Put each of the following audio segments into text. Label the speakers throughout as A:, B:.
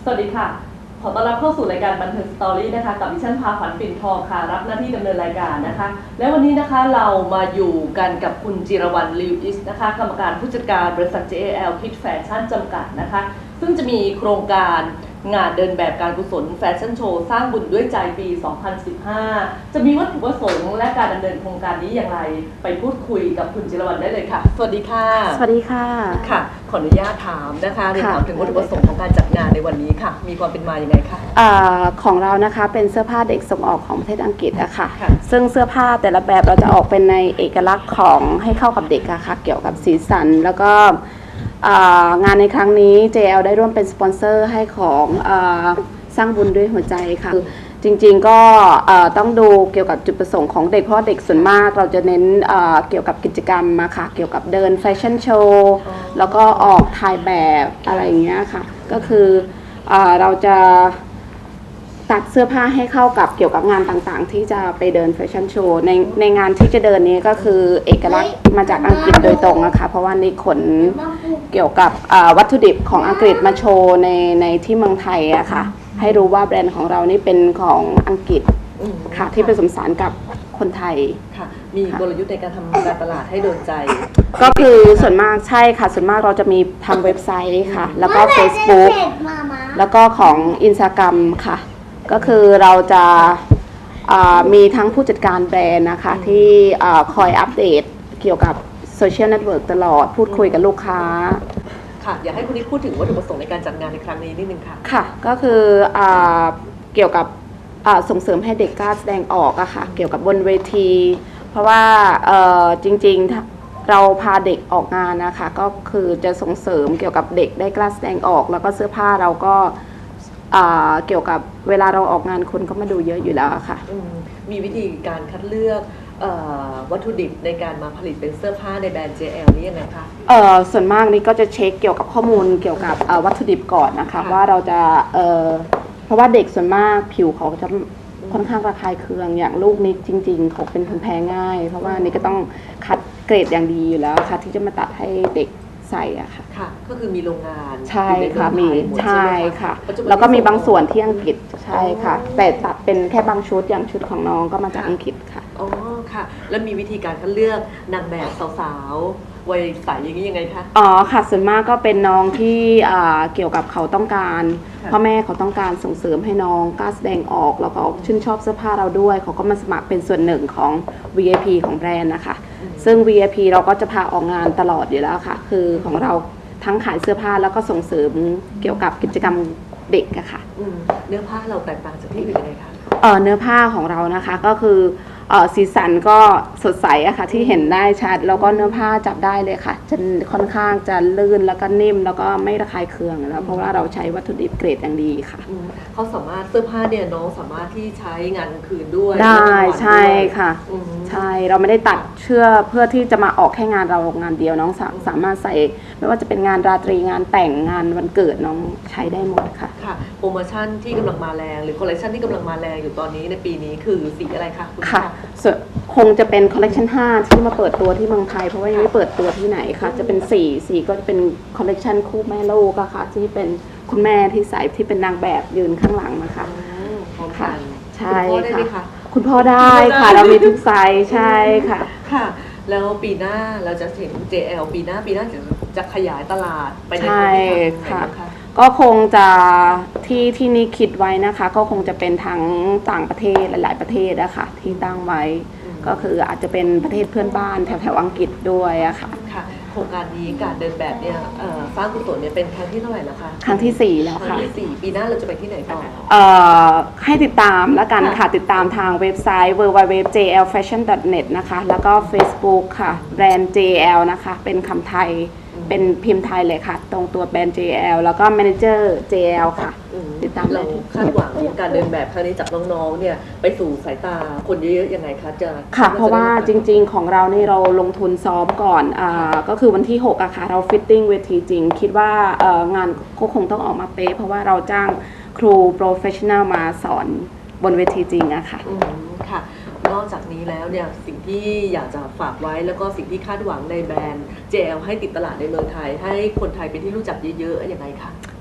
A: สวัสดีค่ะขอต้อนรับเข้าสู่รายการบันเทิงสตอรี่นะคะกับดิฉันพาขวัญปิ่นทองค่ะรับหน้าที่ดำเนินรายการนะคะและวันนี้นะคะเรามาอยู่กันกับคุณจิรวรรณลิวอิสนะคะกรรมการผู้จัดการบริษัท JAL Kid Fashion จำกัดนะคะซึ่งจะมีโครงการงานเดินแบบการกุศลแฟชั่นโชว์สร้างบุญด้วยใจปี 2015 จะมีวัตถุประสงค์และการดำเนินโครงการนี้อย่างไรไปพูดคุยกับคุณจิรวรรณได้เลยค่ะสวัสดีค่ะ
B: สวัสดีค่ะ
A: ค่ะขออนุญาตถามนะคะเรียนถามถึงวัตถุประสงค์ของการจัดงานในวันนี้ค่ะมีความเป็นมาอย่างไรคะ
B: ของเรานะคะเป็นเสื้อผ้าเด็กส่งออกของประเทศอังกฤษอะค่ะซึ่งเสื้อผ้าแต่ละแบบเราจะออกเป็นในเอกลักษณ์ของให้เข้ากับเด็กอะค่ะเกี่ยวกับสีสันแล้วก็งานในครั้งนี้ JL ได้ร่วมเป็นสปอนเซอร์ให้ของสร้างบุญด้วยหัวใจค่ะจริงๆก็ต้องดูเกี่ยวกับจุดประสงค์ของเด็กเพราะเด็กส่วนมากเราจะเน้นเกี่ยวกับกิจกรรมมาค่ะเกี่ยวกับเดินแฟชั่นโชว์แล้วก็ออกถ่ายแบบอะไรอย่างเงี้ยค่ะก็คือเราจะตัดเสื้อผ้าให้เข้ากับเกี่ยวกับงานต่างๆที่จะไปเดินแฟชั่นโชว์ในงานที่จะเดินนี้ก็คือเอกลักษณ์มาจากอังกฤษโดยตรงนะคะเพราะว่านี่ขนเกี่ยวกับวัตถุดิบของอังกฤษมาโชว์ในที่เมืองไทยอะค่ะให้รู้ว่าแบรนด์ของเรานี่เป็นของอังกฤษค่ะที่ผสมผสานกับคนไทย
A: ค่ะมีกลยุทธ์ในการทำการตลาดให้โดนใจ
B: ก็คือส่วนมากใช่ค่ะส่วนมากเราจะมีทางเว็บไซต์ค่ะแล้วก็ Facebook แล้วก็ของ Instagram ค่ะก็คือเราจะมีทั้งผู้จัดการแบรนด์นะคะที่คอยอัปเดตเกี่ยวกับโซเชียลเน็ตเวิร์กตลอดพูดคุยกับลูกค้า
A: ค่ะอยากให้คุณนิดพูดถึงวัตถุประสงค์ในการจัดงานในครั้งนี้นิดนึงค่ะ
B: ค่ะก็คือเกี่ยวกับส่งเสริมให้เด็กกล้าแสดงออกอะค่ะเกี่ยวกับบนเวทีเพราะว่าจริงๆเราพาเด็กออกงานนะคะก็คือจะส่งเสริมเกี่ยวกับเด็กได้กล้าแสดงออกแล้วก็เสื้อผ้าเราก็เกี่ยวกับเวลาเราออกงานคนก็มาดูเยอะอยู่แล้วค่ะ
A: มีวิธีการคัดเลือกวัตถุดิบในการมาผลิตเป็นเสื้อผ้าในแบรนด์ JL นี่ยังไงคะ
B: ส่วนมากนี่ก็จะเช็คเกี่ยวกับข้อมูลเกี่ยวกับวัตถุดิบก่อนนะคะว่าเราจะเพราะว่าเด็กส่วนมากผิวเขาจะค่อนข้างระคายเคืองอย่างลูกนี่จริงๆเขาเป็นคนแพ้ง่ายเพราะว่านี่ก็ต้องคัดเกรดอย่างดีอยู่แล้วค่ะที่จะมาตัดให้เด็กใส่อะค่ะ
A: ค่ะก็คือมีโรงงาน
B: ใช่ค่ะมีใช่ค่ะแล้วก็มีบางส่วนที่อังกฤษใช่ค่ะแต่ตัดเป็นแค่บางชุดอย่างชุดของน้องก็มาจากอังกฤษค่ะ
A: อ๋อค่ะแล้วมีวิธีการคัดเลือกนางแบบสาวๆวัยใสอย่างนี้ยังไงคะ
B: อ๋อค่ะส่วนมากก็เป็นน้องที่เกี่ยวกับเขาต้องการพ่อแม่เขาต้องการส่งเสริมให้น้องกล้าแสดงออกแล้วก็ชื่นชอบเสื้อผ้าเราด้วยเขาก็มาสมัครเป็นส่วนหนึ่งของ VIP ของแบรนด์นะคะซึ่ง VIP เราก็จะพาออกงานตลอดอยู่แล้วค่ะคือของเราทั้งขายเสื้อผ้าแล้วก็ส่งเสริมเกี่ยวกับกิจกรรมเด็กอะค่ะ
A: เนื้อผ้าเราแตกต่างจากที่อื่นยังไงคะ
B: เนื้อผ้าของเรานะคะก็คือสีสันก็สดใสอะค่ะที่เห็นได้ชัดแล้วก็เนื้อผ้าจับได้เลยค่ะจะค่อนข้างจะลื่นแล้วก็นิ่มแล้วก็ไม่ระคายเคืองแล้วเพราะว่าเราใช้วัตถุดิบเกรดอย่างดีค่ะ
A: เขาสามารถเสื้อผ้าเนี่ยน้องสามารถที่ใช้งานกลางคืนด้วย
B: ได้ใช่ค่ะใช่เราไม่ได้ตัดเพื่อที่จะมาออกแค่งานเรางานเดียวน้องสามารถใส่ไม่ว่าจะเป็นงานราตรีงานแต่งงานวันเกิดน้องใช้ได้หมดค่ะ
A: ค่ะโปรโมชั่นที่กำลังมาแรงหรือคอลเลคชันที่กำลังมาแรงอยู่ตอนนี้ในปีนี้คือสีอะไรคะคุณ
B: ค่ะคงจะเป็นคอลเลกชัน5ที่มาเปิดตัวที่เมืองไทยเพราะว่ายังไม่เปิดตัวที่ไหนค่ะจะเป็น4ก็จะเป็นคอลเลกชันคู่แม่ลูกค่ะที่เป็นคุณแม่ที่ใส่ที่เป็นนางแบบยืนข้างหลังนะคะ
A: ค่ะ
B: ใช่ค่ะคุณพ่อได้ค่ะเรามีทุกไซส์ใช่ค่ะ
A: ค่ะแล้วปีหน้าเราจะเห็น JL ปีหน้าจะขยายตลาดไปใน
B: ประเทศค่ะก็คงจะที่นี่คิดไว้นะคะก็คงจะเป็นทั้งต่างประเทศหลายๆประเทศนะคะที่ตั้งไว้ก็คืออาจจะเป็นประเทศเพื่อนบ้านแถวอังกฤษด้วยอะค่ะ
A: ค่ะโครงการนี้การเดินแบบเนี่ยสร้างกุศลเนี่ยเป็นครั้งที่เท่าไหร่แล้วคะ
B: ครั้งที่4แล้วค่ะ
A: ครั้งที่4ปีหน้าเราจะไปที่ไหนต่อ
B: ให้ติดตามแล้วกันค่ะติดตามทางเว็บไซต์ www.jlfashion.net นะคะแล้วก็ Facebook ค่ะแบรนด์ JL นะคะเป็นคำไทยเป็นพิมพ์ไทยเลยค่ะตรงตัวแบรนด์ JL แล้วก็ Manager JL ค่ะ
A: ติดตามเราคาดหวังการเดินแบบครั้งนี้จากน้องๆเนี่ยไปสู่สายตาคนเยอะๆยังไงคะจะ
B: ค่ะเพราะว่าจริงๆของเรานี่เราลงทุนซ้อมก่อนก็คือวันที่6อะค่ะเราฟิตติ้งเวทีจริงคิดว่างานก็คงต้องออกมาเป๊ะเพราะว่าเราจ้างครูโปรเฟชชั่นแนลมาสอนบนเวทีจริงอะค่ะ
A: ค่ะนอกจากนี้แล้วเนี่ยสิ่งที่อยากจะฝากไว้แล้วก็สิ่งที่คาดหวังในแบรนด์ JL ให้ติดตลาดในเมืองไทยให้คนไทยเป็นที่รู้จักเยอะๆยังไงคะ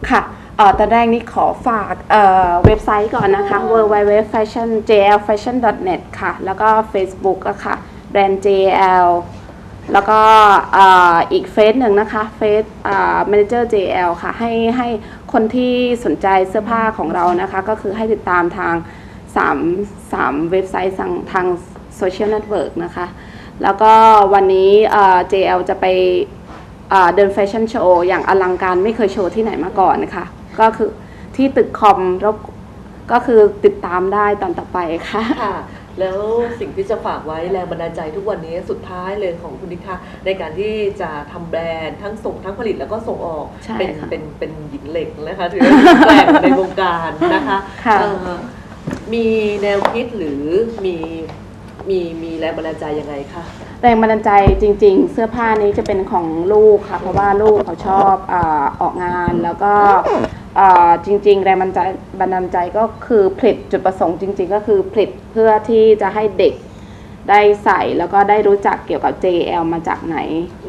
B: ค่ะตอนแรกนี้ขอฝากเว็บไซต์ก่อนนะคะ www.jlfashion.net ค่ะ แล้วก็ Facebook อะค่ะแบรนด์ JL แล้วก็อีกเฟซหนึ่งนะคะเฟซManager JL ค่ะให้คนที่สนใจเสื้อผ้าของเรานะคะ ก็คือให้ติดตามทาง3เว็บไซต์ทางโซเชียลเน็ตเวิร์กนะคะ แล้วก็วันนี้ JL จะไปเดินแฟชั่นโชว์อย่างอลังการไม่เคยโชว์ที่ไหนมาก่อนนะคะก็คือที่ตึกคอมแล้วก็คือติดตามได้ตอนต่อไปค่ะ
A: ค่ะแล้วสิ่งที่จะฝากไว้แรงบันดาลใจทุกวันนี้สุดท้ายเลยของคุณนิกค่ะในการที่จะทำแบรนด์ทั้งส่งทั้งผลิตแล้วก็ส่งออกเป็นหญิงเหล็กนะคะถือว่าแกร่งในวงการนะคะมีแนวคิดหรือมีแรงบันดาลใจยังไงคะ
B: แรงบันดาลใจจริงๆเสื้อผ้านี้จะเป็นของลูกค่ะเพราะว่าลูกเขาชอบออกงานแล้วก็จริงๆแรงบันดาลใจก็คือผลิตจุดประสงค์จริงๆก็คือผลิตเพื่อที่จะให้เด็กได้ใส่แล้วก็ได้รู้จักเกี่ยวกับ JL มาจากไหน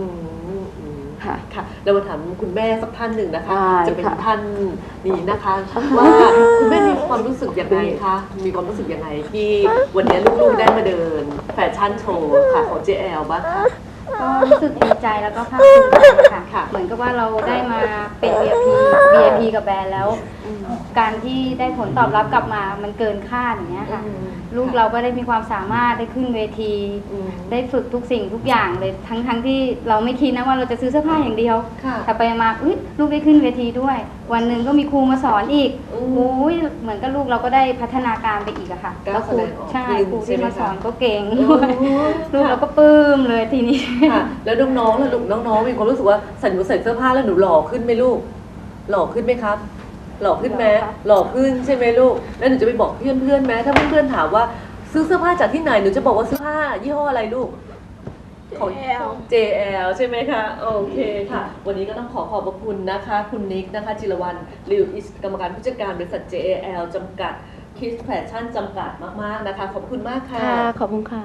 A: ค่ะเรามาถามคุณแม่สักท่านหนึ่งนะคะจะเป็นท่านนี้นะคะว่าคุณแม่มีความรู้สึกยังไงคะมีความรู้สึกยังไงที่วันนี้ลูกๆได้มาเดินแฟชั่นโชว์ค่ะของ JL บ้างคะ
C: ก็รู้สึกดีใจแล้วก็ภาคภูมิใจค่ะเหมือนกับว่าเราได้มาเป็น VIP กับแบรนด์แล้วการที่ได้ผลตอบรับกลับมามันเกินคาดอย่างเงี้ยค่ะลูกเราก็ได้มีความสามารถได้ขึ้นเวทีได้ฝึกทุกสิ่งทุกอย่างเลยทั้งที่เราไม่คิดนะว่าเราจะซื้อเสื้อผ้าอย่างเดียวแต่ไปมาลูกได้ขึ้นเวทีด้วยวันหนึ่งก็มีครูมาสอนอีกเหมือนกับลูกเราก็ได้พัฒนาการไปอีกอะค่ะแล้วครูครูที่มาสอนก็เก่งลูกเราก็ปลื้มเลยทีนี้
A: แล้วน้องๆมีความรู้สึกว่าใส่เสื้อผ้าแล้วหนูหล่อขึ้นไหมลูกหล่อขึ้นไหมครับหล่อขึ้นไหมหล่อขึ้นใช่ไหมลูกแล้วหนูจะไปบอกเพื่อนไหมถ้าเพื่อนถามว่าซื้อเสื้อผ้าจากที่ไหนหนูจะบอกว่าเสื้อผ้ายี่ห้ออะไรลูกของ JL ใช่ไหมคะโอเคค่ะวันนี้ก็ต้องขอบพระคุณนะคะคุณนิกนะคะจิรวรรณลิวอิสกรรมการผู้จัดการบริษัท JL จำกัดคิสแฟชั่นจำกัดมากๆนะคะขอบคุณมากค่ะ
B: ขอบคุณค่ะ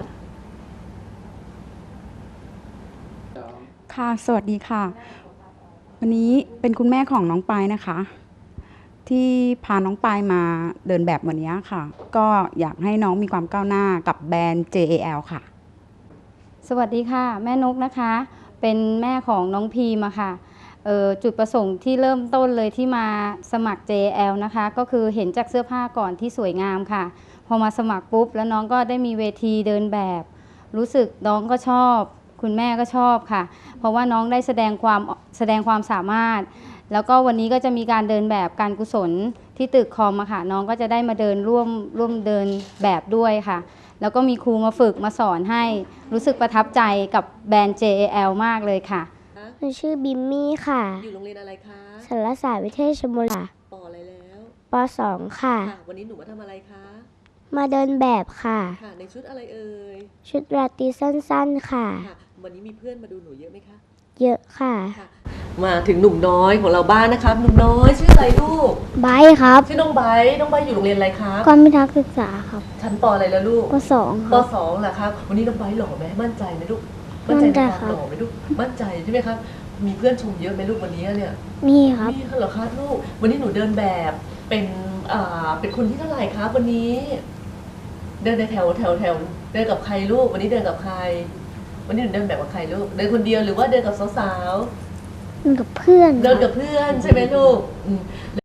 D: ค่ะสวัสดีค่ะวันนี้เป็นคุณแม่ของน้องปายนะคะที่พาน้องปายมาเดินแบบวันนี้ค่ะก็อยากให้น้องมีความก้าวหน้ากับแบรนด์ JL ค่ะ
C: สวัสดีค่ะแม่นกนะคะเป็นแม่ของน้องพีมค่ะจุดประสงค์ที่เริ่มต้นเลยที่มาสมัคร JL นะคะก็คือเห็นจากเสื้อผ้าก่อนที่สวยงามค่ะพอมาสมัครปุ๊บแล้วน้องก็ได้มีเวทีเดินแบบรู้สึกน้องก็ชอบคุณแม่ก็ชอบค่ะเพราะว่าน้องได้แสดงความสามารถแล้วก็วันนี้ก็จะมีการเดินแบบการกุศลที่ตึกคอมค่ะน้องก็จะได้มาเดินร่วมเดินแบบด้วยค่ะแล้วก็มีครูมาฝึกมาสอนให้รู้สึกประทับใจกับแบรนด์ JL มากเลยค่ะ
E: หนูชื่อบิมมี่ค่ะ
A: อยู่โรงเรียนอะไรคะ
E: สารศาสตร์วิเทศชลบุรีค่ะ
A: ป.อะไรแล้ว
E: ป.2 ค่ะ
A: วันนี้หนูมาทำอะไรคะ
E: มาเดินแบบค่ะ
A: ในชุดอะไรเอ่ย
E: ชุดราตรีสั้นๆค่ะ
A: วันนี้มีเพื่อนมาดูหนูเยอะไหมคะ
E: เยอะค่ะ
A: มาถึงหนุ่มน้อยของเราบ้านนะครับหนุ่มน้อยชื่ออะไรลูก
E: ไบร์ทครับ
A: ชื่อน้องไบร์ทอยู่โรงเรียนอะไรครับ
E: ความพิทักษ์ศึกษาครับ
A: ชั้นป.อะไรแล้วลูก
E: ป.2
A: ครับป.2 เหรอครับวันนี้น้องไบร์ทหล่อไหมมั่นใจไหมลูกมั่นใจครับหล่อไหมลูกมั่นใจใช่ไหมครับมีเพื่อนชมเยอะไหมลูกวันนี้เนี่ย
E: มีครับ
A: มีเหรอครับลูกวันนี้หนูเดินแบบเป็นคนที่เท่าไหร่ครับวันนี้เดินในแถวเดินกับใครลูกวันนี้เดินกับใครวันนี้หนูเดินแบบกับใครลูกเดินคนเดียวหรือว่าเดินกับสาว
E: ๆเดินกับเพื่อน
A: ใช่ไหมลูก